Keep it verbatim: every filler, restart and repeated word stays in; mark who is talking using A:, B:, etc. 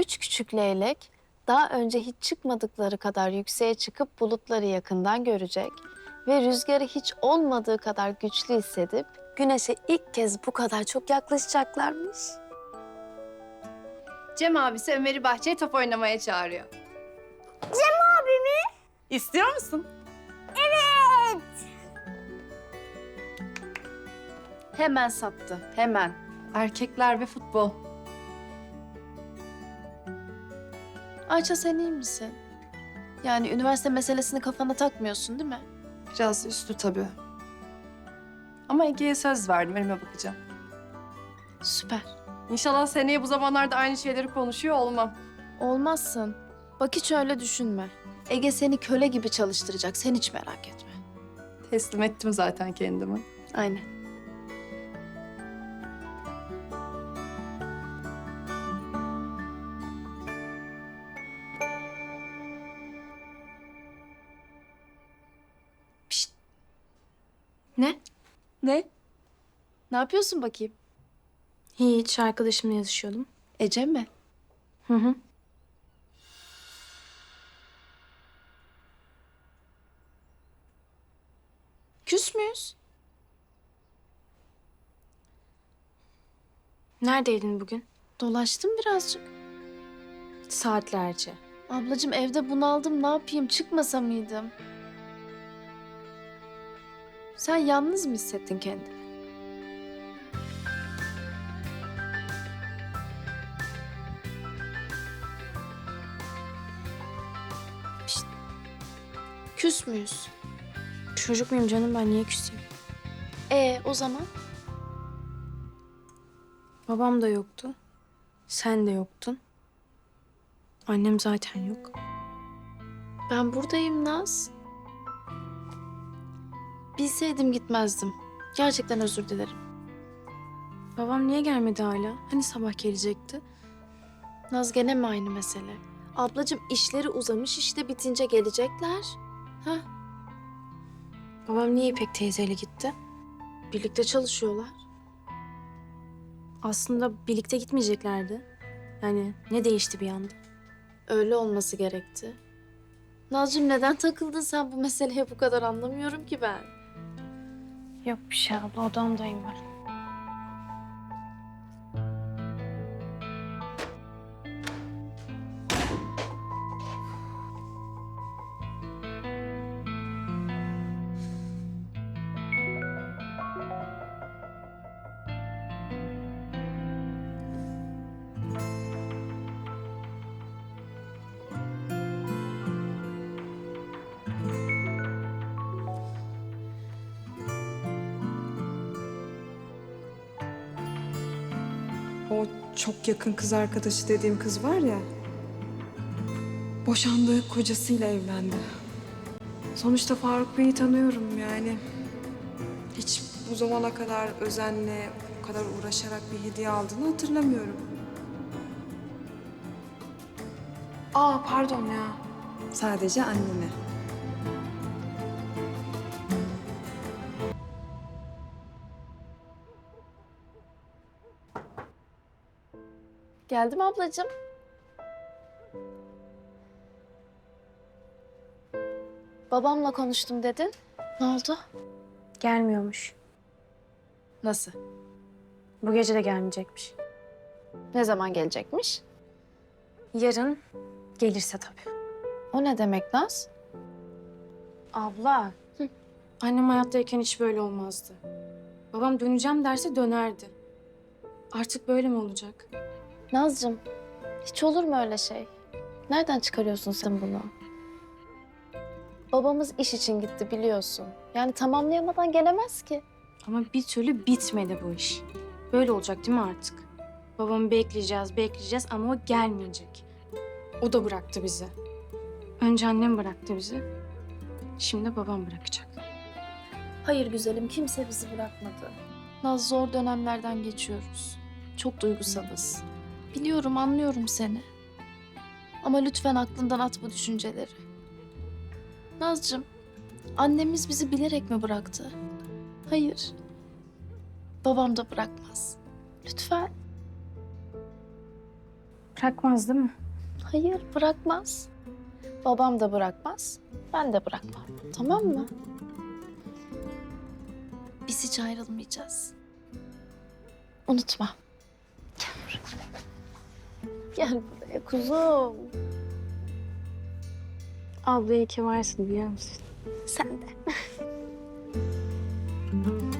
A: Üç küçük leylek daha önce hiç çıkmadıkları kadar yükseğe çıkıp bulutları yakından görecek ve rüzgarı hiç olmadığı kadar güçlü hissedip güneşe ilk kez bu kadar çok yaklaşacaklarmış.
B: Cem abisi Ömer'i bahçeye top oynamaya çağırıyor.
C: Cem abi mi?
B: İstiyor musun?
C: Evet.
B: Hemen sattı, hemen. Erkekler ve futbol.
A: Ayça sen iyi misin? Yani üniversite meselesini kafana takmıyorsun değil mi?
B: Biraz üstü tabii. Ama Ege'ye söz verdim, elime bakacağım.
A: Süper.
B: İnşallah seneye bu zamanlarda aynı şeyleri konuşuyor olmam.
A: Olmazsın. Bak hiç öyle düşünme. Ege seni köle gibi çalıştıracak. Sen hiç merak etme.
B: Teslim ettim zaten kendimi.
A: Aynen. Pişt. Ne?
B: Ne?
A: Ne yapıyorsun bakayım?
D: Hiç, arkadaşımla yazışıyordum.
A: Ece mi?
D: Hı hı.
A: Küs müyüz?
D: Neredeydin bugün?
A: Dolaştım birazcık.
D: Saatlerce.
A: Ablacığım evde bunaldım. Ne yapayım? Çıkmasa mıydım? Sen yalnız mı hissettin kendini? Pişt. Küs müyüz?
D: Çocuk muyum canım, ben niye küseyim?
A: Ee o zaman?
D: Babam da yoktu. Sen de yoktun. Annem zaten yok.
A: Ben buradayım Naz. Bilseydim gitmezdim. Gerçekten özür dilerim.
D: Babam niye gelmedi hala? Hani sabah gelecekti?
A: Naz gene mi aynı mesele? Ablacığım işleri uzamış işte bitince gelecekler. Hah.
D: Babam niye İpek teyzeyle gitti?
A: Birlikte çalışıyorlar.
D: Aslında birlikte gitmeyeceklerdi. Yani ne değişti bir anda?
A: Öyle olması gerekti. Nazcığım neden takıldın sen bu meseleye bu kadar anlamıyorum ki ben.
D: Yok bir şey abla, odamdayım ben.
E: O çok yakın kız arkadaşı dediğim kız var ya, boşandığı kocasıyla evlendi. Sonuçta Faruk Bey'i tanıyorum yani. Hiç bu zamana kadar özenle, bu kadar uğraşarak bir hediye aldığını hatırlamıyorum. Aa pardon ya. Sadece annene.
A: Geldim ablacığım. Babamla konuştum dedin. Ne oldu?
D: Gelmiyormuş.
A: Nasıl?
D: Bu gece de gelmeyecekmiş.
A: Ne zaman gelecekmiş?
D: Yarın gelirse tabii.
A: O ne demek Naz?
D: Abla,
A: Hı.
D: annem hayattayken hiç böyle olmazdı. Babam döneceğim derse dönerdi. Artık böyle mi olacak?
A: Nazcığım, hiç olur mu öyle şey? Nereden çıkarıyorsun sen bunu? Babamız iş için gitti biliyorsun. Yani tamamlayamadan gelemez ki.
D: Ama bir türlü bitmedi bu iş. Böyle olacak değil mi artık? Babamı bekleyeceğiz, bekleyeceğiz ama o gelmeyecek. O da bıraktı bizi. Önce annem bıraktı bizi. Şimdi babam bırakacak.
A: Hayır güzelim, kimse bizi bırakmadı. Naz zor dönemlerden geçiyoruz. Çok duygusalız. Biliyorum, anlıyorum seni. Ama lütfen aklından at bu düşünceleri. Nazcığım, annemiz bizi bilerek mi bıraktı? Hayır. Babam da bırakmaz. Lütfen.
D: Bırakmaz değil mi?
A: Hayır, bırakmaz. Babam da bırakmaz, ben de bırakmam. Tamam mı? Biz hiç ayrılmayacağız. Unutma. Gel buraya. Gel buraya kuzum.
D: Abla iyi ki varsın biliyor musun?
A: Sen de.